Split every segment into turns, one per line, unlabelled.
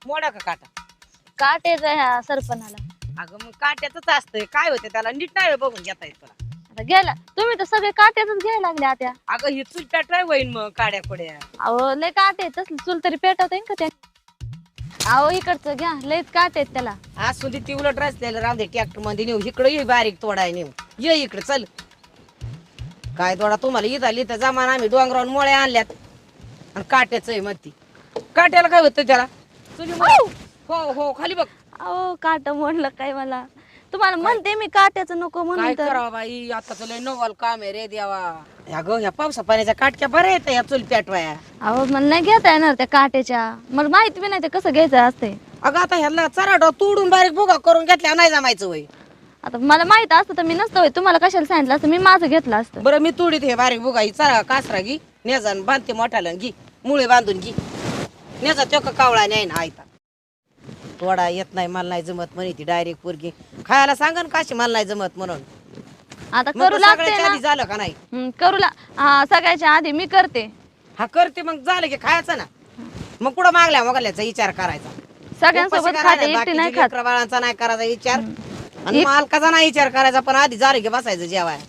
मोडा का काटा?
काटेचा ह्या सरपणाला.
अगं मग काट्यातच असतंय, काय होते त्याला नीट नाही बघून घेता येत तुला.
आता गेला तुम्ही तर सगळे काट्यातच घ्यायला लागले आता.
अगं ही चूल पेटवाय होईन मग काड्या कुड्या.
अहो लय काटे तसली चूल तरी पेटवता येईन का त्या? अहो इकडचं घ्या, लयच काटे आहेत त्याला.
आज सुधी ती उलट रचलेलं राहते ट्रॅक्टर मध्ये नेऊ, इकडे ये बारीक तोडाय नेऊ, ये इकडे चल. काय तोडा तुम्हाला इथं लिहितं जमान, आम्ही डोंगरावरून मोळ्या आणल्यात आणि काट्याच आहे म्हणती. काट्याला काय होतं त्याला? हो हो खाली बघ.
अहो काट म्हणलं काय मला, तुम्हाला म्हणते मी काट्याचं नको
काय
म्हणून तर.
करावं बाई, आता लय नवल काम आहे रे देवा. अगं ह्या पावसा पाण्याच्या काटक्या बऱ्या येत या चूल पेटवाया.
अहो मला नाही घेता येणार त्या काट्याच्या, मला माहिती बी नाही ते कसं घ्यायचं असते.
अगं आता ह्याला चराडा तोडून बारीक भुगा करून घेतल्या नाही जमायचं वय.
आता मला माहित असतं तर मी नसतं होय, तुम्हाला कशाला सांगितलं असतं, मी माझं घेतलं असतं.
बरं मी तोडीत हे बारीक भुगा ही चरा कासरा घी नेजान बांधते मोठ्याला घी, मुळे बांधून घी नेजा तो कावळा नाही ना आयता. तोडा येत नाही मला नाही जमत म्हणे ती डायरेक्ट पोरगी खायला सांगन काशी मला नाही जमत म्हणून.
आता
मग
करू
तर
लागते
सगळ्याच्या
ना.
आधी झालं का नाही?
करू हा सगळ्याच्या आधी मी करते.
हा करते मग झालं की खायचं ना. मग कुठं मागल्या मोगल्याचा विचार करायचा.
सगळ्यांसोबत
उपाशी
खाते,
करायला,
एकटी नाही
बाकीच्या
खात.
लेकरं बाळांचा नाही करायचा विचार आणि मालकाचा नाही विचार करायचा, पण आधी झालं की बसायचं जेवाय.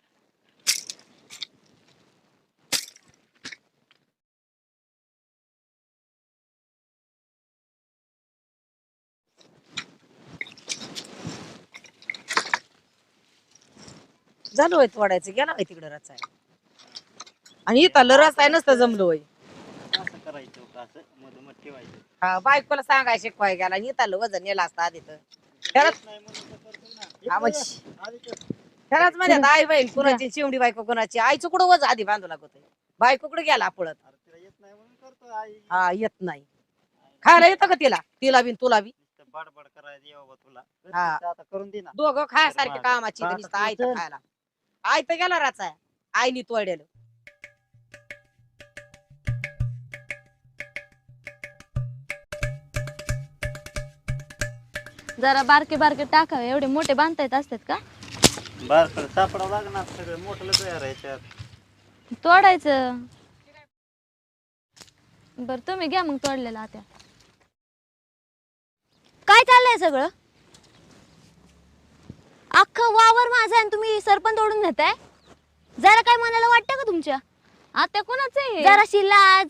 झालं होय तोडायचं, गेला होय तिकडे रचाय आणि इथं रचाय नसतं जमलं होय.
असं करायचं होतं, असं मधोमध ठेवायचं.
हा बायकोला सांगाय शिकवाय गेला आणि इथं वजन नेला असतं आधी तर. त्यालाच
नाही म्हणून तर करतो ना.
हा मग
आधी ते
त्यालाच म्हणतात आई बहीण कुणाची चिवडी बायको कुणाची. आईचं कुठं वज आधी बांधू लागत बायको कुठे गेला पळत.
अरे तिला येत नाही म्हणून करतो आई.
हा येत नाही. खायला येतं का तिला, तिला बिन तुला बी?
नुसतं बडबड करायचं ये बाबा तुला.
हा.
आता करून दे ना.
दोघं खायासारखे कामाची
हा,
नुसतं आई तर
चल.
खायला. आई तर गेला राचाय, आईनी तोडलेलं.
जरा बारके बारके टाकावे, एवढे मोठे बांधता येत असतात का?
बारकडं सापडावं लागणार सगळं मोठं तयार आहे याच्यात.
तोडायचं. बर तुम्ही घ्या मग तोडलेलं आता.
काय चाललंय सगळं? अख्खं वावर माझा आणि तुम्ही सरपंच ओढून घेताय. जरा काय मनाला वाटतं का तुमच्या?
आता कोणाचं आहे?
जराशी लाज.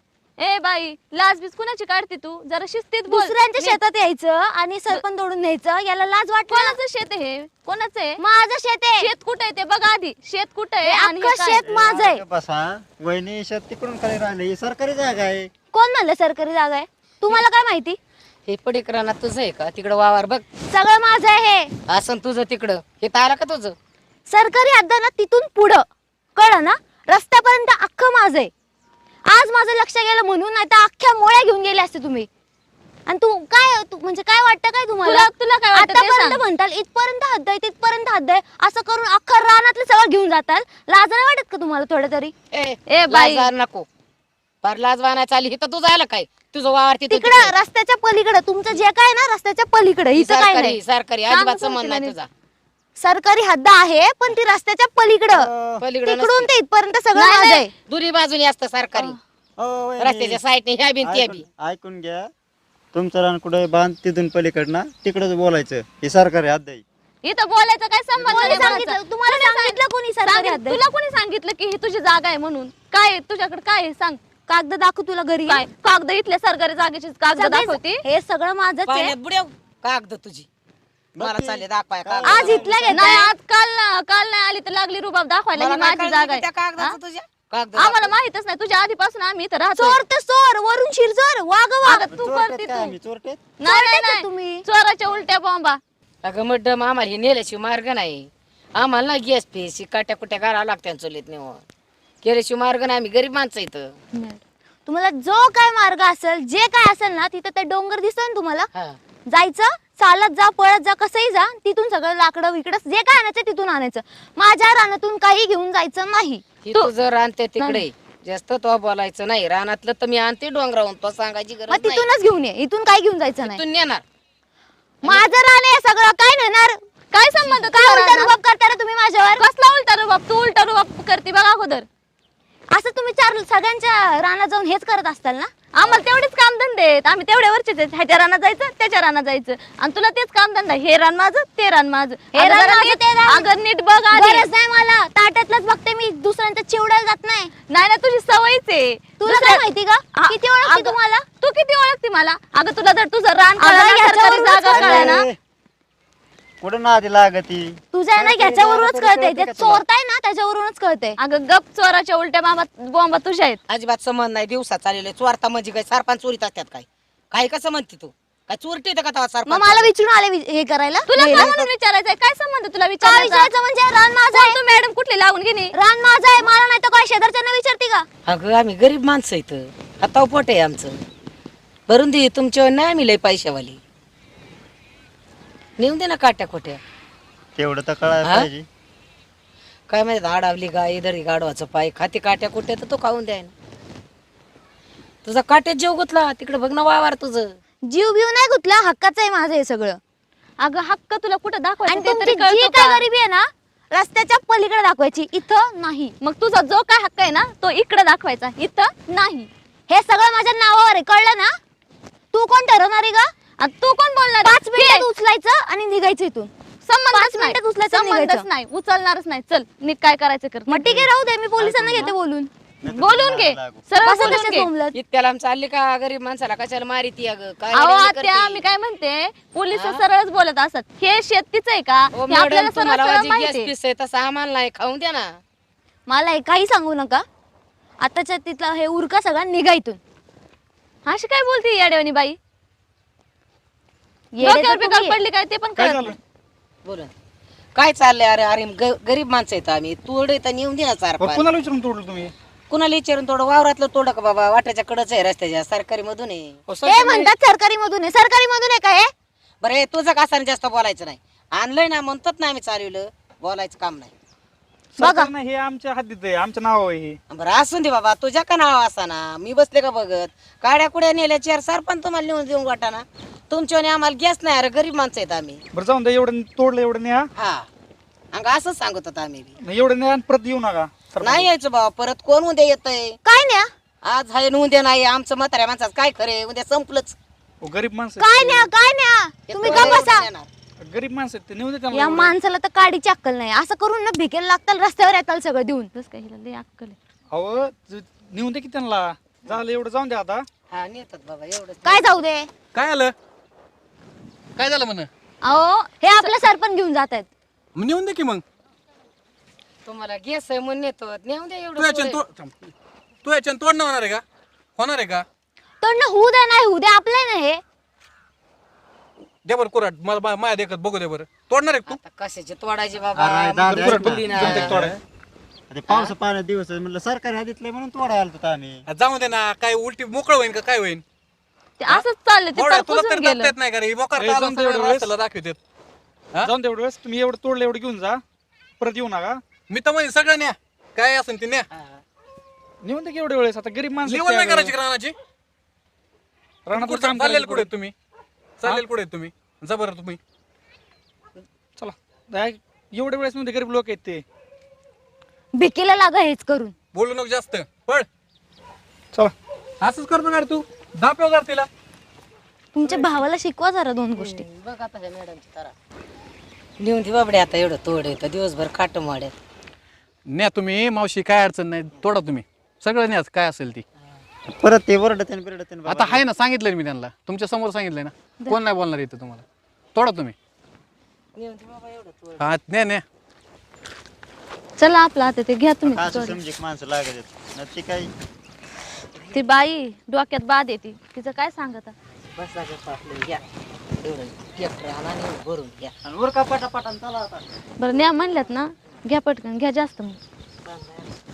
ए बाई लाज बीज कुणाची काढते तू? जरा शिस्तीत बोल.
दुसऱ्यांच्या शेतात यायचं आणि सरपंच ओढून न्यायचं, याला लाज वाटतं?
कोणाचं शेत आहे हे? कोणाचं आहे?
माझं शेत आहे.
शेत कुठे आहे ते बघा आधी. शेत कुठे आहे आणि हे
अख्खं
काय?
शेत माझं आहे.
अरे बसा वहिनी शेत तिकडून खाली राहिले, ही सरकारी जागा आहे.
कोण म्हणलं सरकारी जागा आहे? तुम्हाला काय माहिती?
हे पडीकरांना तुझं आहे का? तिकडं वावर बघ
सगळं माझं आहे हे.
असं तुझं तिकडं. हे तारा का तुझं?
सरकारी हद्द ना तिथून पुढं, कळलं ना? रस्त्यापर्यंत अख्खं माझं आहे. आज माझं लक्ष गेलं म्हणून, नाही तर अख्ख्या मोळ्या घेऊन गेले असते तुम्ही. आणि तू म्हणजे काय वाटतं काय तुम्हाला?
तुला काय वाटतं ते
आतापर्यंत
सांग.
म्हणताल इथपर्यंत हद्द आहे, तिथपर्यंत हद्द आहे, असं करून अख्खं रानातलं सगळं घेऊन जाताल. लाज नाही वाटत का तुम्हाला थोडं तरी?
ए बाई
लाज नको. पर लाज वाहण्यात आली इथं तुझं आलं काय? तुझं वावर तिथं
तिकडं रस्त्याच्या पलीकडे तुमचं जे काय ना, रस्त्याच्या पलीकडे इथं काय नाही.
सरकारी
सांग
अजिबात
बरं
संबंध नाही
तिला
तुझा.
सरकारी हद्द आहे, पण ती रस्त्याच्या पलीकडं.
पलीकडे
तिकडून ते इथपर्यंत सगळं
नाही,
माझं आहे.
दुरी बाजूनी असतं सरकारी.
हो, वहिनी.
रस्त्याच्या साईडने ह्या बी त्या बी.
ऐकून घ्या. तुमचं रान कुठे बांध तिथून पलीकडनं तिकडच बोलायचं. हे सरकारी हद्द आहे.
इथं बोलायचं काय संबंध
कोणी
नाही
सांगितलं?
बोलायचा.
तुम्हाला
कोणी
सांगितलं कोणी सरकारी हद्द आहे?
तुला कोणी सांगितलं की ही तुझी जागा आहे म्हणून? काय आहे तुझ्याकडे? काय आहे सांग.
कागद दाखव तुला घरी.
काय कागद? इथल्या सरकारी जागेची कागद
सगळे-
दाखवती?
हे सगळं माझंच आहे.
पाण्यात बुड्याव कागद तुझी मला चालले दाखवाय कागद.
आज इथला
नाही
घेताय.
आज काल नाही आली तर लागली रुबाब दाखवायला.
मला
ही
काय
माझी
कळलं
जागा
की त्या
आहे.
कागदाचं तुझ्या कागद
आम्हाला
दाखव.
माहितच नाही. तुझ्या आधीपासून आम्ही इथं राहतो.
चोर तर चोर, वरून शिरजोर, वाग वाग.
अगं तू
चोरटेत
करते
काय
तू.
आम्ही चोरटेत?
नाही
चोरटेच आहे
नाही
तुम्ही.
चोराच्या उलट्या बॉम्बा.
अगं मॅडम आम्हाला हे नेल्याशिवाय मार्ग नाही. आम्हाला ना गॅस पेशी काट्या कुट्या घालावं लागत्या चुलीत नेऊन. केल्याशिवाय मार्ग नाही. आम्ही गरीब माणसं इथं.
तुम्हाला जो काय मार्ग असेल, जे काय असेल ना, तिथं ते डोंगर दिसतोय ना तुम्हाला,
हा.
जायचं, चालत जा, पळत जा, कसंही जा, तिथून सगळं लाकडं विकडं जे काय आणायचं तिथून आणायचं. माझ्या रानातून काही घेऊन जायचं नाही.
ही तुझं रानते तिकडे जास्त तो बोलायचं नाही. रानातलं तर मी आणते डोंगरावून, तो सांगायची
मग
गरज नाही.
तिथूनच घेऊन ये, इथून काही घेऊन जायचं नाही.
तिथून नेणार.
माझं रान आहे सगळं, काय नेणार?
काय संबंध
काय
तुझा
उलटा
रानात?
रुबाब करता रे तुम्ही माझ्यावर?
कसला उलटा रुबाब? तू उलटा रुबाब करते बघा अगोदर.
असं तुम्ही सगळ्यांच्या रानात जाऊन हेच करत असताल ना?
आम्हाला तेवढेच काम धंदे आहेत, आम्ही तेवढ्या वरचेच आहेत. ह्याच्या रानात जायचं त्याच्या रानात जायचं आणि तुला तेच काम धंदा, हे रान माझं ते रान माझं.
हे रान माझं, ते रान.
अगं नीट बघ आधी.
गरज नाही मला, ताटातलंच बघते मी, दुसऱ्यांच्या चिवडायला जात नाही.
नाही ना तुझी सवयच आहे.
तुला काय माहिती का किती ओळखते
अगं,
तुम्हाला?
तू किती ओळखते मला? अगं तुला जर तुझं रान
अगं,
कळलं ना, सरकारी
ह्याच्यावरूनच
जागा कळलं ना.
कुठं नादी लागती
तुझ्या ना ह्याच्यावरूनच कळते, ते चोरताय ना त्याच्यावरूनच कळते.
अगं गप, चोराच्या उलट्या बॉम्बा तुझ्या आहेत.
अजिबात संबंध नाही, दिवसा चाललेले चोरता म्हणजे काय सरपंच चोरीत असतात काय? काय कसं म्हणते तू? काय चोरटी येतं का तेव्हा
मग
सरपंच?
मला विचारून आले हे करायला.
तुला
हे
काय म्हणून विचारायचंय? काय संबंध तुला
काय
विचारायचा?
विचारायचं म्हणजे रान माझं आहे.
तू मॅडम कुठली लावून घेणे?
रान माझं आहे, मला नाही तर काय शेजारच्यांना विचारते का?
अगं आम्ही गरीब माणसं इथं, हाताव पोट आहे आमचं. भरून दे तुमच्यावर नाही आम्ही लय पैशावाली. नेऊन दे ना काट्या खोट्या.
तेवढं तर कळायला
हा?
पाहिजे.
काय माहिती आडावली गाय दरी गाडवाचं पाय खाते काट्या कुठे तर तो खाऊन द्याय ना. तुझा काट्यात जेव गुतला तिकडे बघ ना वावर तुझं.
जीव बीव नाही गुतला, हक्काचं आहे माझं हे सगळं.
अगं हक्क तुला कुठं दाखवायचं
आणि
ते
तुमची
तरी
जी
कळतं
काय
का?
गरिबी आहे ना, रस्त्याच्या पलीकडे दाखवायची, इथं नाही.
मग तुझा जो काय हक्क आहे ना तो इकडे दाखवायचा, इथं नाही.
हे सगळं माझ्या नावावर आहे, कळलं ना? तू कोण ठरवणार आहे का?
आणि तू कोण बोलणार?
5 मिनिटात उचलायचं आणि निघायचं इथून.
संबंधच
5
नाही,
मिनिटात उचलायचं आणि
संबंधच
निघायचं.
नाही, उचलणारच नाही. चल नीट काय करायचं कर.
मग ठीक आहे, राहू दे, मी पोलिसांना घेते बोलून.
बोलून घे, सरळ
बसा
बोलून
तसेच
घे.
बोंबलत.
इतक्याला आमचं आली का गरीब माणसाला कशाला मारिती अगं काय
अहो
रेडी
आत्या
करती?
मी काय म्हणते, पोलिस सरळच बोलत असतात. हे शेतीच आहे का?
ओ
हे आपल्याला
मॅडम
सरळ
तुम्हाला
सरळ
वाजी
माहिती
गॅस
आहे.
पीस आहे तसा आम्हाला नाही खाऊन द्या ना.
मला हे काही सांगू नका, आताच्या तिथला हे उरका सगळा निघा इथून.
अशी काय बोलते याडेवानी बाई?
येडे तर
डोक्यावर
तुम्ही
बिकार
आहे.
पडली काय ते पण
काय
कळत
झालं?
नाही.
बोला काय चाललंय? अरे अरे गरीब माणसं आहेत आम्ही, तोडे तर नेऊन दे ना चार
बरं,
पाच.
कोणाला विचारून तोडलं तुम्ही?
कुणाला विचारून थोडं वावरातलं तोड का बाबा, वाट्याच्या कडच आहे रस्त्याच्या, सरकारी मधून आहे.
अहो,
ते म्हणतात सरकारी मधून आहे, सरकारी मधून आहे का हे?
बरं हे तुझं कासाने जास्त बोलायचं नाही. आणलंय ना म्हणतात ना आम्ही चालवलं, बोलायचं काम नाही.
सरकार नाही, हे आमच्या हद्दीत आहे, आमच्या नाव आहे हे.
बरं असून दे बाबा, तुझ्या का नाव असा ना, मी बसले का बघत. काड्या कुड्या नेल्या चार सरपंच तुम्हाला नेऊन देऊन वाटा ना. तुमच्याने आम्हाला गॅस नाही, अरे गरीब माणसं आहेत आम्ही.
बरं जाऊन द्या, एवढं तोडलं एवढं न्या.
हा अंग असंच सांगत होता आम्ही बी.
नाही, एवढं न्या आणि परत येऊ नका सरपंच.
नाही यायचं बाबा परत, कोण उद्या येतंय?
काय न्या
आज हाय न उद्या नाही, आमचं म्हाताऱ्या माणसाचं काय खरे, उद्या संपलंच.
अहो, गरीब माणसं
काय न्या काय न्या, तुम्ही का बसा.
नेणार.
आहेत. गरीब माणसं आहेत ते, नेऊ दे त्यांना
या
एवढं.
माणसाला तर काडीची अक्कल नाही, असं करून ना भिकेला लागताल, रस्त्यावर येताल सगळं देऊन.
तसं काय हिला लय अक्कल आहे.
अहो नेऊन दे की त्यांना, झालं एवढं जाऊन द्या आता.
हा नेतात बाबा एवढंच.
काय जाऊ दे,
काय आलं? काय झालं म्हण?
अहो हे आपलं सरपंच घेऊन जात आहेत.
नेऊन दे की मग.
तुम्हाला गॅस आहे म्हणून नेतो, नेऊन द्या
तू
एवढं
याच्यान
पुढे.
तू याच्यान तोडणं होणार आहे का? होणार आहे का?
तर ना होऊ द्या, नाही होऊ द्या, आपलं आहे ना हे.
दे बरं कुराट, मला माया देखत बघू दे बरं. तोडणार आहे का
आता कशाची तोडायची बाबा,
अरे, दादा,
मुलगी बोलली ना.
जमते तोडाय.
ते पावसा पाण्यात दिवस आहे, म्हणलं सरकारी हद्दीतलं म्हणून तोडायला आलो होतो आम्ही.
तू? जाऊ दे ना, काय उलटी मोकळ होईन का काय होईन?
ते असंच चाललं, ते
मोकळं,
तर
तुला
पुसून
तरी
गेलं.
दाबता येत नाही का रे? मोकार
ए,
ताला
जाऊन दे
सगळं
एवढं वेळेस.
रस्त्याला दाखवतात. हा?
जाऊन दे एवढं वेळेस, तुम्ही एवढं तोडलं एवढं घेऊन जा, परत येऊ नका.
मी तर म्हणजे सगळं न्या, काय असेल ते न्या.
नेऊन दे की एवढ्या वेळेस, आता गरीब माणसं
लेवल नाही
आहेत
करायची
त्या.
का रानाची?
रानात
कुठं
काम
चाललेलं
करायचं
कुठे तुम्ही? चाललेलं कुठे तुम्ही? जा बरं तुम्ही.
चला एवढ्या वेळेस मध्ये गरीब लोक आहेत ते.
भिकेला लागा हेच करून.
बोलू नको जास्त, पळ.
चला
असंच करतो का रे तू? दापेव जर तिला.
तुमच्या भावाला शिकवा जरा 2 गोष्टी.
बघ आता ह्या मॅडमची तारा लिहून दे बाबडे, आता एवढं तोड येतं दिवसभर काट माड्यात.
न्या तुम्ही, मावशी काय अडचण नाही, तोडा तुम्ही सगळं न्या काय असेल ती.
परत ते वरडते बिरडते
आता आहे ना, सांगितलं मी त्यांना, तुमच्या समोर सांगितलंय ना, कोण नाही बोलणार इथं तुम्हाला. तोडा तुम्ही.
लिहून दे बाबा एवढं तोड.
हा न्या न्या.
चला आपलं आता ते घ्या तुम्ही.
असं समजे माणसं लागत आहेत ना, ती काही
ती बाई डोक्यात बाद येते, तिचं काय सांगत.
बस लागत आपलं घ्या एवढं ट्रॅक्टर आणा आणि एवढं भरून घ्या.
आणि वर का पटापटा चला आता.
बरं न्या म्हणल्यात ना, घ्या पटकन घ्या, जास्त मग.